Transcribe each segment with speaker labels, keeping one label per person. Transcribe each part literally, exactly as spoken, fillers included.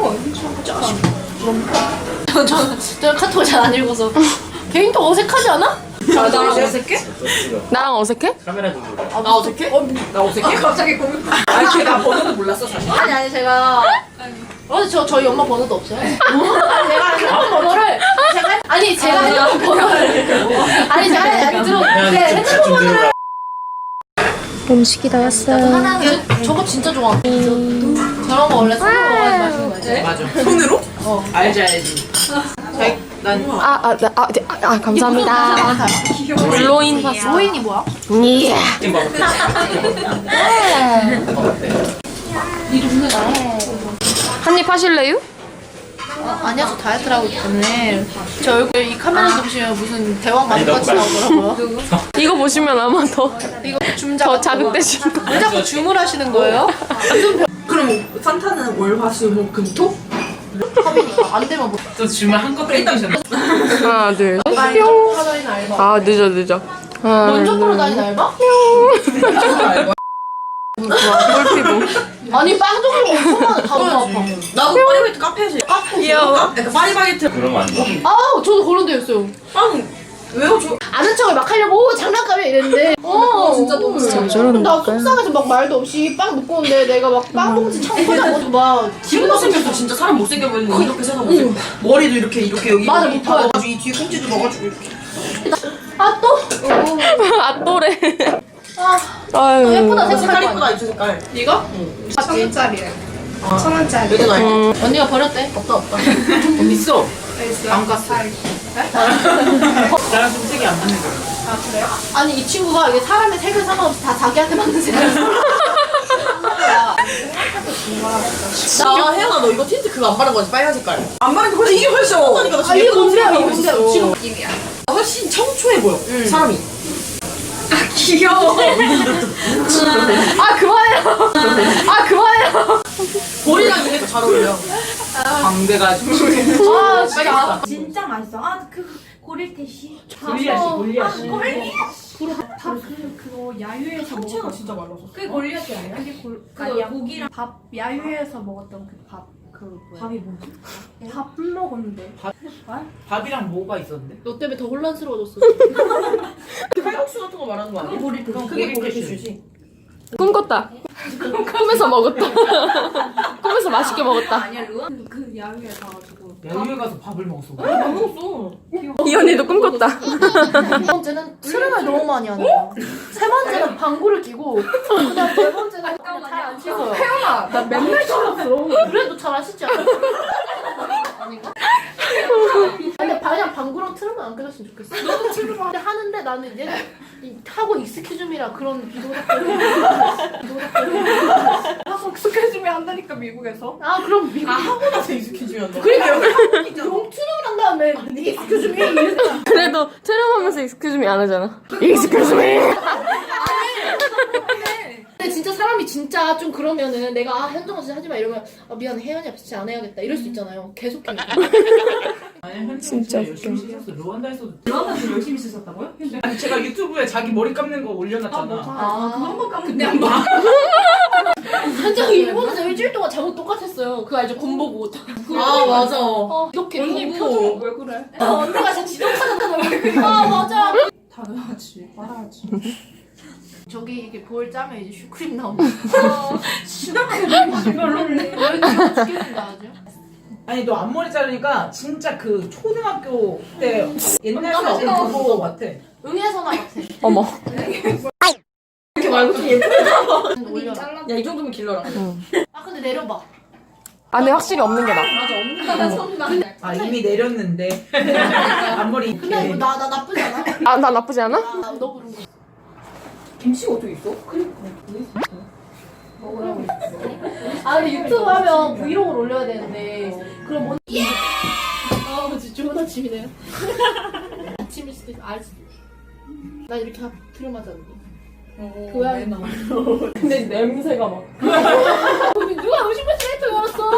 Speaker 1: 저, 저, 저 카톡을 잘 안 읽어서. 개인톡 어색하지 않아?
Speaker 2: 아, 나 어색해?
Speaker 3: 나랑 어색해?
Speaker 4: 카메라 좀 보자.
Speaker 2: 아, 나 어색해? 어, 나 어색해? 아, 갑자기 고민. 아니, 걔나 번호도 몰랐어, 사실.
Speaker 1: 아니, 아니, 제가. 어, 저, 저희 엄마 번호도 없어요. 아니, 제가 핸드폰 번호를. 제가, 아니, 제가 핸드폰 번호를. 아니, 제가, 아니, 들어. 네, 핸드폰 번호를.
Speaker 3: 음식이 다 왔어요.
Speaker 1: 하나, 저, 저거 진짜 좋아. 저런 거 원래 손으로 먹어야지 맛있는 거 알지?
Speaker 2: 맞아. 손으로? 어. 알지, 알지. 자기, 난.
Speaker 3: 아, 아, 나, 아, 네, 아, 아, 감사합니다. 블로인 파스.
Speaker 1: 로인이 뭐야?
Speaker 3: 예.
Speaker 1: 이 동네 나.
Speaker 3: 한입 하실래요?
Speaker 1: 아니야, 저 다이어트를 하고 있기 때문에 제 얼굴 이 카메라 보시면 무슨 대왕 마법같이 나오더라고요.
Speaker 3: 이거 보시면 아마 더,
Speaker 1: 이거 줌작
Speaker 3: 더 자극되실 거예요.
Speaker 1: 왜 자꾸 줌을 하시는 거예요?
Speaker 2: 그럼 산타는 월, 화, 수, 목, 금, 토?
Speaker 1: 컵이니까 안 되면 못.
Speaker 4: 또 주말 한꺼번에 일단
Speaker 3: 하나, 둘, 셋.
Speaker 1: 먼저 풀어 다니는 알바.
Speaker 3: 아, 늦어, 늦어. 하나,
Speaker 1: 먼저
Speaker 3: 둘,
Speaker 1: 풀어 다니는 알바?
Speaker 3: 꿀피부.
Speaker 1: 아니 빵 종류가 엄청 많아. 다 너무 아파.
Speaker 2: 나도 파리바게트 카페에서. 카페에서.
Speaker 3: 귀여워.
Speaker 2: 약간 파리바게트.
Speaker 4: 그러면 안 돼.
Speaker 1: 아우 저도 그런 데였어요.
Speaker 2: 빵, 왜요? 저.
Speaker 1: 아는 척을 막 하려고 오 장난감이야 이랬는데 어
Speaker 2: 진짜 너무
Speaker 3: 왜 저러는
Speaker 1: 나
Speaker 3: 걸까요?
Speaker 1: 속상해서 막 말도 없이 빵 먹고 오는데 내가 막 빵 봉지 창고장고 막
Speaker 2: 기분 못생겼어. 진짜 사람 못생겨 보이는 거 이렇게 생각 못해. 머리도 이렇게, 이렇게 여기.
Speaker 1: 맞아,
Speaker 2: 여기
Speaker 1: 못 봐요.
Speaker 2: 박아가지고 이 뒤에 꽁지도 넣어가지고 이렇게.
Speaker 1: 아 또?
Speaker 3: 아, 또래.
Speaker 1: 아
Speaker 3: 아유.
Speaker 1: 예쁘다
Speaker 2: 색깔
Speaker 1: 색깔
Speaker 2: 이쁘다, 이 색깔.
Speaker 1: 이거?
Speaker 2: 천 원짜리야. 천 원짜리. 매든 아이.
Speaker 1: 언니가 버렸대. 없다 없다.
Speaker 2: 어디 있어? 안 갔어.
Speaker 4: 나랑 좀 색이 안 맞는 거야.
Speaker 1: 아 그래요? 아니 이 친구가 이게 사람의 색을 상관없이 다 자기한테 맞는 색을
Speaker 2: 나 혜연아, 너 이거 틴트 그거 안 바른 거지? 빨간 색깔. 안 바른 거 훨씬 이게 훨씬 예쁘다니까. 나 지금
Speaker 1: 아, 이게
Speaker 2: 예쁜
Speaker 1: 뭔데요?
Speaker 2: 색깔
Speaker 1: 이게
Speaker 2: 하고
Speaker 1: 뭔데요?
Speaker 2: 있었어.
Speaker 1: 지금
Speaker 2: 느낌이야. 훨씬 청초해 보여. 사람이.
Speaker 1: 귀여워. 아 그만해요. 아 그만해요.
Speaker 2: 볼이랑 이게 더 잘 어울려. 광대가 좀.
Speaker 1: 아 진짜.
Speaker 5: 진짜 맛있어. 아, 그 고릴테시.
Speaker 4: 골리앗이 골리앗이.
Speaker 5: 밥그 그거 야유에서
Speaker 2: 상체가
Speaker 5: 먹었던.
Speaker 2: 진짜 말라서.
Speaker 5: 그게 골리앗이 아니야? 그게 골. 그 고기랑 밥 야유에서 먹었던 그 밥. 그 뭐야?
Speaker 2: 밥이 뭐지?
Speaker 5: 밥 먹었는데.
Speaker 4: 밥이랑 뭐가 있었는데?
Speaker 1: 너 때문에 더 혼란스러워졌어.
Speaker 2: 칼국수 같은 거 말하는 거 아니야?
Speaker 5: 고릴테시.
Speaker 2: 그게 고릴테시지.
Speaker 3: 꿈꿨다. 꿈에서 먹었다. 꿈에서 맛있게 먹었다.
Speaker 5: 아니야 루아? 그, 그 야유에 가가지고.
Speaker 4: 야유회 가서 밥을 먹었어.
Speaker 2: 안 먹었어.
Speaker 3: 이 언니도 꿈꿨다.
Speaker 1: 두 번째는 트름을 너무 많이 하는 거야. 세 번째는 방구를 끼고 그다음 네 번째는 잘안 씻어요.
Speaker 5: 태연아, 나 맨날
Speaker 1: 씻었어. 그래도 잘 안 씻지 않아? 아닌가? 근데 그냥 방구랑 트름은 안 껴줬으면 좋겠어. 너도 트름 하는데 나는 이제 이 하고 익스큐즈미라 그런 비도덕적인 비도덕적인
Speaker 5: 익숙해지면 한다니까 미국에서.
Speaker 1: 아 그럼 미국
Speaker 2: 아, 하고 나서 익숙해지면 너.
Speaker 1: 그러니까 용 트름을 한 다음에 익스큐즈미 이랬다.
Speaker 3: 그래도 촬영하면서 익스큐즈미 안 하잖아. 익스큐즈미.
Speaker 1: 근데 진짜 사람이 진짜 좀 그러면은 내가 아 현정아 진짜 하지마 이러면 아 미안해 혜연이 앞에서 진짜 안 해야겠다 이럴 수 있잖아요. 계속 해.
Speaker 4: 아니 현진
Speaker 3: 진짜
Speaker 4: 진짜 열심히 씻었어. 루안다에서도.
Speaker 2: 루안다에서 열심히 쓰셨다고요? 아니 제가 유튜브에 자기 머리 감는 거 올려놨잖아.
Speaker 1: 아 그거 한번 까면
Speaker 2: 근데 안 봐.
Speaker 1: 현정이 일본에서 일주일 동안 잠옷 똑같았어요. 그거 알죠? 군복 옷.
Speaker 2: 아 맞아.
Speaker 1: 어 이렇게
Speaker 2: 언니
Speaker 1: 너무-
Speaker 2: 표정 왜 그래?
Speaker 1: 아, 언니가 진짜 지독하잖아. 아 맞아.
Speaker 2: 당연하지. 말아야지.
Speaker 1: 저기 이게 볼 짜면 이제 슈크림 나오고. 별로네. 죽겠다 아주.
Speaker 6: 아니 너 앞머리 자르니까 진짜 그 초등학교 때 옛날 사진 그거 같아.
Speaker 1: 응애선화 같아.
Speaker 3: 어머.
Speaker 2: 이렇게 말고 좀 예쁘게.
Speaker 1: 올려라.
Speaker 2: 야 이 정도면 길러라.
Speaker 1: 아 근데 내려봐.
Speaker 3: 안에 확실히 없는 게 나.
Speaker 1: 맞아 없는 거.
Speaker 6: 아 이미 내렸는데 앞머리
Speaker 1: 근데
Speaker 6: 이렇게.
Speaker 1: 나 나 나쁘지 않아?
Speaker 3: 아, 나 나쁘지 않아?
Speaker 1: 아, 너 부른 거.
Speaker 2: 김치가 어떻게 있어?
Speaker 1: 먹으라고. 아 근데 유튜브 하면 브이로그를 올려야 되는데 그럼 뭐? 아 진짜 좋은 아침이네요. 아침일 수도 있어. 알 수도 있어. 난 이렇게 트름하잖아. 그거야.
Speaker 3: 근데 냄새가 막.
Speaker 1: 누가 음식물 쓰레기통 열었어?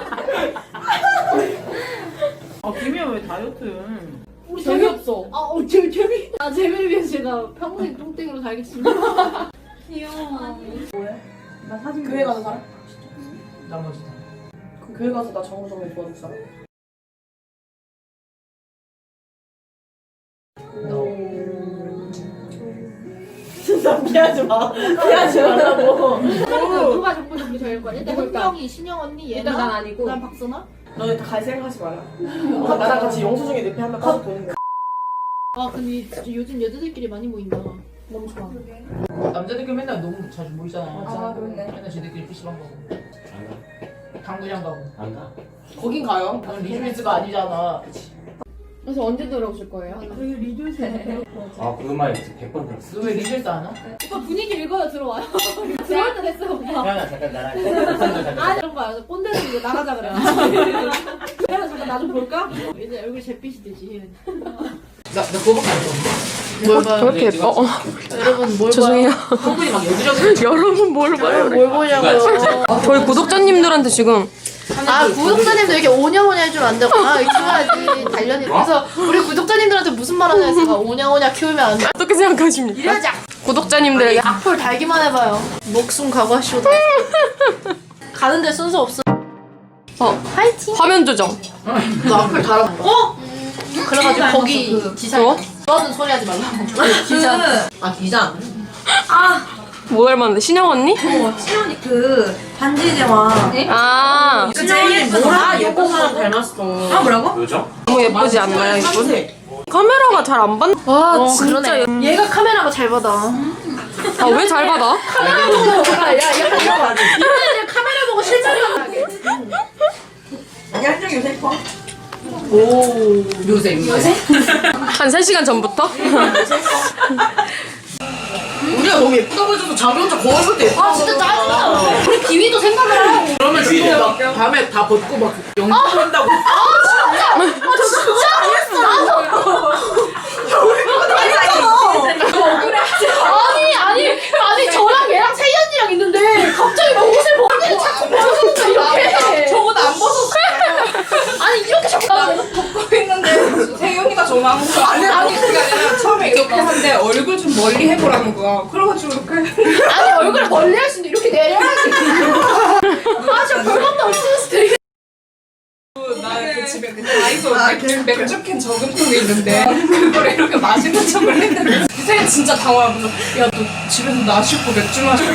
Speaker 6: 아 김이야 왜 다이어트?
Speaker 1: 우리 재미없어. 아, 어, 재미, 재미. 아, 재미를 위해서 제가 평생 똥땡이로 살겠습니다.
Speaker 5: 귀여워.
Speaker 2: 교회 가는 사람?
Speaker 6: 나머지 다.
Speaker 2: 교회 가서 나 정우성이 도와줬어. 진짜 피하지 마. 피하지 말라고.
Speaker 1: 누가 정보 정비 제일 거야? 일단 현경이, 신영 언니, 얘나.
Speaker 5: 일단 난 아니고.
Speaker 1: 그다음 박선아.
Speaker 2: 너네 다 갈 생각하지 마라. 어, 나랑 같이 영수증에 늪에 한명 가서 보는 거야.
Speaker 1: 아 근데 진짜 요즘 여자들끼리 많이 모인다.
Speaker 2: 너무 좋아.
Speaker 4: 남자들끼리 맨날 너무 자주 모이잖아.
Speaker 5: 아, 그러네.
Speaker 4: 맨날 쟤들끼리 피시방 가고. 당구장 가고.
Speaker 7: 안 가?
Speaker 2: 거긴 가요.
Speaker 4: 넌 리즈미스가 아니잖아.
Speaker 5: 그래서 언제 들어오실 거예요?
Speaker 7: 아, 그 음악 백 번 들었어.
Speaker 4: 너 왜 리즈미스 안 와?
Speaker 1: 오빠 분위기 읽어요 들어와요. 들어올 때 됐어요 오빠.
Speaker 7: 태연아, 잠깐 나랑 목소리 잠깐.
Speaker 1: 아 이런 거야. 꼰대는 이제 나가자 그래. 그래서 잠깐 나 좀 볼까? 이제 얼굴 잿빛이 되지.
Speaker 4: 나, 나 그거밖에 안 써.
Speaker 1: 뭘 봐요?
Speaker 3: 저렇게 예뻐? 어,
Speaker 1: 여러분 뭘
Speaker 3: 죄송해요.
Speaker 4: 얼굴이 막 여기저기.
Speaker 3: 여러분 뭘 봐요?
Speaker 1: 뭘 보냐고요?
Speaker 3: 저희 구독자님들한테 지금
Speaker 1: 아 구독자님도 이렇게 오냐오냐 해주면 안 되고 아 이거 키워야지 단련이. 그래서 우리 구독자님들한테 무슨 말 하냐 했으니까 오냐오냐 키우면 안 돼.
Speaker 3: 어떻게 생각하십니까?
Speaker 1: 이래자.
Speaker 3: 구독자님들에게
Speaker 1: 악플 달기만 해봐요. 목숨 각오하시오. 가는데 순서 없어.
Speaker 3: 어,
Speaker 1: 파이팅.
Speaker 3: 화면 조정.
Speaker 2: 너 악플 달아. 어?
Speaker 1: 그래가지고 거기 기사.
Speaker 3: 뭐?
Speaker 1: 너는 소리 하지 말라고.
Speaker 2: 기자. 아 기자.
Speaker 3: 뭐 닮았는데? 신영 언니?
Speaker 2: 시연이 그 반지 제왕.
Speaker 3: 아,
Speaker 2: 그 제일 뭐라 여고만 닮았어. 아 뭐라고?
Speaker 7: 요정?
Speaker 3: 너무 예쁘지 않나요? 이분? 카메라가 잘 안 받. 와, 진짜. 예-
Speaker 1: 얘가 카메라가 잘 받아.
Speaker 3: 아, 왜 잘 받아?
Speaker 1: 카메라 보고 야, 야, 이거 이거 이제 카메라 보고 실제로 하게.
Speaker 2: 양정 요새 펑.
Speaker 4: 오, 요새, 요새?
Speaker 3: 한 세 시간 전부터?
Speaker 2: 우리가 너무 예쁘다고 해줘서 자기 혼자 거울 볼 때 예뻐.
Speaker 1: 아 진짜 짜증나. 우리 기위도 생각을 하고.
Speaker 4: 그러면 진짜 막 밤에 다 벗고 막 영상한다고.
Speaker 1: 아니 아니 아니 저랑 얘랑 세희 언니랑 있는데 갑자기 막 옷을 벗는데 자꾸 벗어서 이렇게.
Speaker 2: 저거 안 벗었어.
Speaker 1: 아니 이렇게 자꾸
Speaker 2: 벗고 있는데 세영이가 전화한 거야. 아니 아니 그게 아니라 처음에 이렇게 한데 얼굴 좀 멀리 해보라는 거야. 그래가지고 이렇게.
Speaker 1: 아니 얼굴을 멀리 할 수도 이렇게 내려야지. 아 진짜 별것도 없을 수도 있.
Speaker 2: 나 그 집에 그 다이소 맥주캔 저금통이 있는데 그걸 이렇게 마시는 척을 했는데 세영 진짜 당황하면서 야 너 집에서 나 씻고 맥주 마시고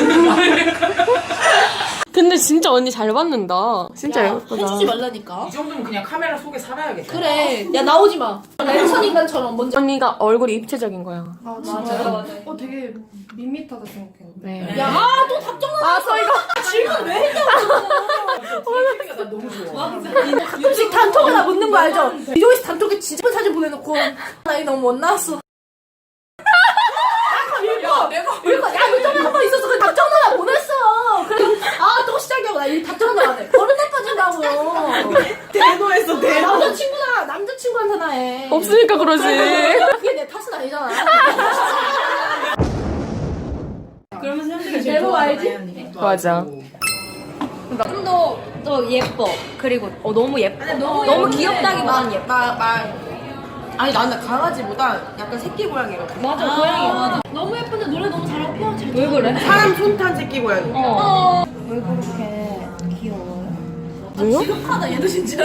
Speaker 3: 근데 진짜 언니 잘 받는다. 진짜 예쁘다.
Speaker 1: 해주지 말라니까.
Speaker 4: 이 정도면 그냥 카메라 속에 살아야겠다.
Speaker 1: 그래. 야 나오지 마. 랜선 인간처럼 먼저.
Speaker 3: 언니가 얼굴이 입체적인 거야.
Speaker 5: 아 맞아요. 어 되게 밋밋하다 생각했는데.
Speaker 3: 네.
Speaker 1: 야, 아, 또 답정 나왔어. 아, 저희가 질문 왜 했냐고.
Speaker 4: 나 너무 좋아.
Speaker 1: 가끔씩 단톡에 나 묻는 거 알죠? 이종희 씨 단톡에 진짜 예쁜 사진 보내놓고 나 이거 너무 못 나왔어.
Speaker 2: 야 내가
Speaker 1: 그러니까 야, 너 저번에 한번 있었어. 그 답정 누나 보냈어. 그래서 아, 또 시작이하고 나 이 답정 누나 해. 버릇 나빠진다고.
Speaker 2: 대노했어 대노.
Speaker 1: 남자친구나, 남자친구한테 나 해.
Speaker 3: 없으니까 그러지.
Speaker 1: 그게 내 탓은 아니잖아.
Speaker 2: 그러면 사람들이
Speaker 1: 대노 알지?
Speaker 3: 맞아.
Speaker 5: 좀더 더 예뻐. 그리고 어 너무 예뻐. 너무, 너무 귀엽다기보단 예뻐.
Speaker 2: 말 아니 나는 강아지보다 약간 새끼 고양이거든.
Speaker 5: 맞아 고양이 맞아.
Speaker 1: 너무 예쁜데 노래 너무 잘하고 표현 잘.
Speaker 5: 왜 그래?
Speaker 2: 사람 손탄 새끼 고양이.
Speaker 5: 왜 그렇게 귀여워요?
Speaker 1: 지급하다 얘도 진짜.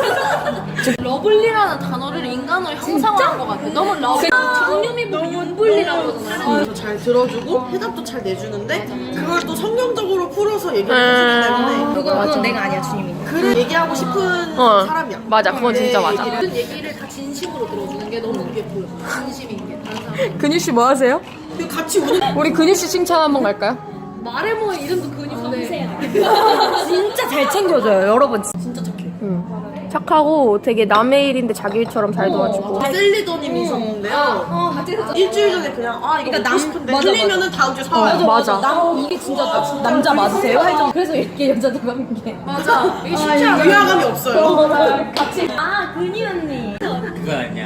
Speaker 1: 러블리라는 단어를 인간으로 형상화한 것 같아. 너무 러블. 정유미 보고 윤블리라고 하잖아.
Speaker 2: 잘 들어주고 해답도 잘 내주는데 그걸 또 성경적으로 풀어서 얘기를 해주기 때문에
Speaker 5: 그거 그건 내가 아니야 주님이.
Speaker 2: 그를 얘기하고 싶은
Speaker 3: 어.
Speaker 2: 사람이야.
Speaker 3: 맞아, 그건 진짜 맞아.
Speaker 1: 모든 얘기를 다 진심으로 들어주는 게 너무 그게 보여. 진심인 게 다른 사람.
Speaker 3: 근유 씨 뭐 하세요?
Speaker 2: 그리고 같이 우는
Speaker 3: 우리 근유 씨 칭찬 한번 갈까요?
Speaker 1: 말해 뭐 이름도 근육인데.
Speaker 5: 진짜 잘 챙겨줘요 여러분.
Speaker 1: 진짜 착해.
Speaker 3: 착하고 되게 남의 일인데 자기 일처럼 잘 도와주고.
Speaker 2: 셀리더님이 있었는데요.
Speaker 1: 어, 같이 했었잖아.
Speaker 2: 일주일 전에 그냥 아 이거 먹고 싶은데
Speaker 5: 맞아,
Speaker 2: 틀리면은 다음 주에 사와요.
Speaker 3: 맞아.
Speaker 5: 남 이게 진짜 남자 맞으세요? 할 정도. 그래서 이렇게 여자들 하는 게.
Speaker 1: 맞아. 이게 쉽지 않아.
Speaker 2: 위화감이 없어요.
Speaker 1: 같이.
Speaker 5: 아 근이 언니.
Speaker 7: 그건 아니야.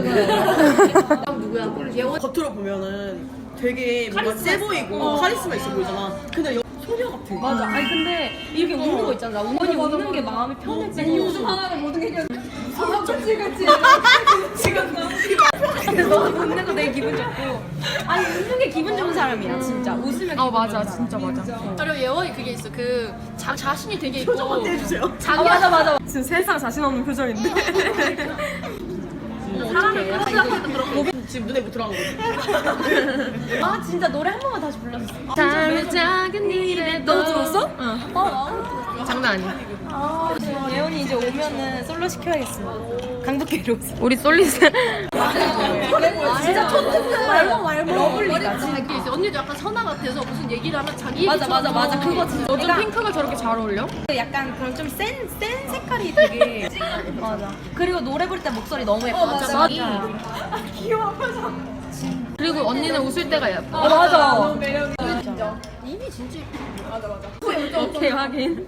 Speaker 1: 누구야? 예원.
Speaker 2: 겉으로 보면은 되게 뭔가 세 보이고 카리스마 있어 보이잖아. 근데 여- 소녀 같아.
Speaker 5: 맞아. 아니 근데 이렇게 우는 거 있잖아. 언니 우는 게 마음이 편해지고. 요즘 하나는 모든 게
Speaker 3: 너무 돈 내고 되게 기분 좋고. 아니 웃는 게 기분 좋은 사람이야 진짜. 웃으면
Speaker 2: 어 맞아 진짜 맞아.
Speaker 1: 그리고 예원이 그게 있어. 그 자, 자신이 되게 있고.
Speaker 3: 해주세요.
Speaker 1: 자기
Speaker 3: 아, 맞아 맞아. 지금 세상 자신 없는 표정인데. 사람을
Speaker 1: 지금 눈에 못 들어간 거지.
Speaker 3: 아 진짜 노래 한 번만 다시 불러주세요.
Speaker 2: 잠을 작은 일에
Speaker 3: 너 들었어?
Speaker 2: 어. 장난 아니야.
Speaker 3: 예원이 이제 오면은 솔로 시켜야겠어. 강북계로.
Speaker 2: 우리 솔리스.
Speaker 3: 진짜 촌트 말고 말고 러블리다.
Speaker 1: 자기 있어. 언니도 약간 선아 같아서 무슨 얘기를 하면 자기
Speaker 3: 맞아
Speaker 1: 얘기처럼.
Speaker 3: 맞아 맞아 그거 진짜.
Speaker 2: 요즘 핑크가 저렇게 잘 어울려?
Speaker 3: 약간 그런 좀 센 센 색깔이 되게 맞아. 그리고 노래 부를 때 목소리 너무 예뻐.
Speaker 1: 맞아,
Speaker 3: 맞아.
Speaker 2: 그리고 언니는 웃을 때가 예뻐.
Speaker 3: 어, 맞아.
Speaker 1: 이미 진짜
Speaker 3: 오케이 확인.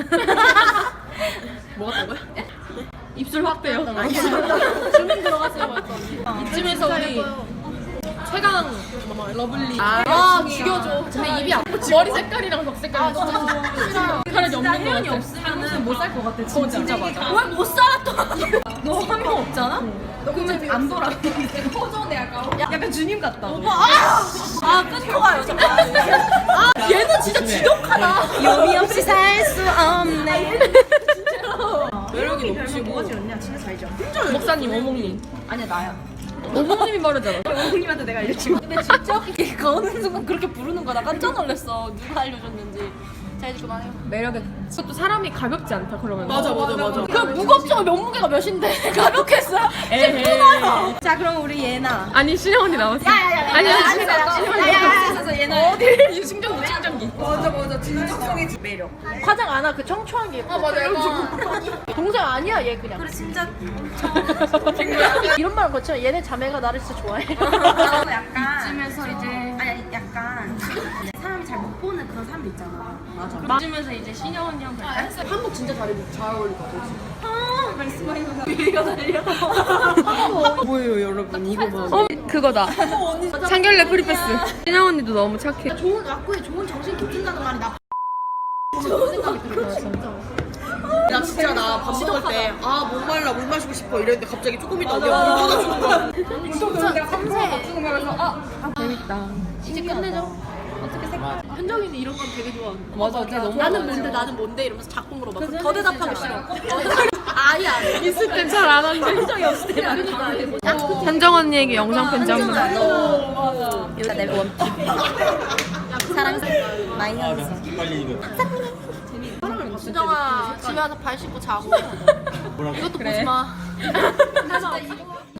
Speaker 1: 뭐 같다고요?
Speaker 2: 입술 확대요.
Speaker 1: 주민 들어갔어요. 맞다.
Speaker 2: 이쯤에서 우리 최강 러블리.
Speaker 1: 아, 죽여줘.
Speaker 2: 근데 입이 안 머리 색깔이랑 덕 색깔이 진짜 싫어요. 색깔이 없는 거
Speaker 3: 혜연이
Speaker 2: 같아.
Speaker 3: 없으면은 못 살 것 같아. 진짜.
Speaker 2: 어, 진짜 맞아.
Speaker 3: 왜 못 살아 또? 너 한 명 없잖아? 그러면 안 돌아. 허전해 약간. 약간 주님 같다. 오빠 아! 아 끊고 가요 잠깐.
Speaker 1: 아, 얘는 진짜 지독하다.
Speaker 3: 요미 없이 살 수 없네.
Speaker 2: 매력이
Speaker 3: 별로 뭐가 지었냐? 진짜 잘 지어.
Speaker 2: 목사님 어몽님.
Speaker 3: 아니야 나야.
Speaker 2: 어몽님이 말하잖아.
Speaker 3: 어머님한테 내가 알려준 거. 근데 진짜 이게 거는 순간 그렇게 부르는 거나 깜짝 놀랐어. 누가 알려줬는지.
Speaker 1: 자, 이제 그만해요.
Speaker 2: 매력에 그것도 사람이 가볍지 않다 그러면.
Speaker 1: 맞아, 맞아, 맞아. 그 무겁지만 몸무게가 몇인데. 가볍겠어요?
Speaker 2: 에헤이.
Speaker 3: 자 그럼 우리 예나.
Speaker 2: 아니 신영 언니 나왔어.
Speaker 3: 야야야.
Speaker 2: 아니 아니
Speaker 3: 아니 야야야. 예나.
Speaker 2: 어디 충전기 충전기.
Speaker 3: 맞아 맞아. 진정성의 매력.
Speaker 1: 화장 안 하, 그 청초한 게 예뻐. 아, 맞아. 동생 아니야, 얘 그냥.
Speaker 3: 그래 진짜
Speaker 1: 이런 말은 그렇지만 얘네 자매가 나를 진짜 좋아해.
Speaker 3: 나도 약간 이쯤에서 이제 아니 아니 약간 사람이 잘 못 보는 그런 사람도 있잖아. 맞아.
Speaker 2: 이쯤에서 이제 신영 언니랑 갈까?
Speaker 1: 한복 진짜 잘, 입- 잘 어울리거든.
Speaker 3: 아 말씀하신 거 이거 달려.
Speaker 2: 뭐예요 여러분 이거 봐. 어 그거다. 상결례 프리패스. 신영 언니도 너무 착해.
Speaker 1: 좋은 악구에 좋은 정신 깃든다는 말이 나 좋은 생각이 들어. 진짜.
Speaker 8: 나 진짜 나 밥 먹을 때 아 못 말라 물 마시고 싶어 이랬는데 갑자기 조금 있다 언니가 물 쏟아주는 거야.
Speaker 1: 진짜 섬세해.
Speaker 2: 재밌다.
Speaker 1: 이제 끝내죠. 현정이는 이런 건 되게 좋아하는 거.
Speaker 2: 맞아, 걔 너무
Speaker 1: 나는 뭔데, 나는 뭔데 이러면서 자꾸 물어봐. 그럼 더 대답하기 싫어. 아예 안 해.
Speaker 2: 있을 땐 잘 안 하는데.
Speaker 3: 현정이 없을 때 나는
Speaker 2: 현정 언니에게 영상 편지 한 번.
Speaker 3: 너 여기다 내 원. 사랑해. 마이너스.
Speaker 1: 수정아, 집에 와서 발 씻고 자고. 이것도 보지 마.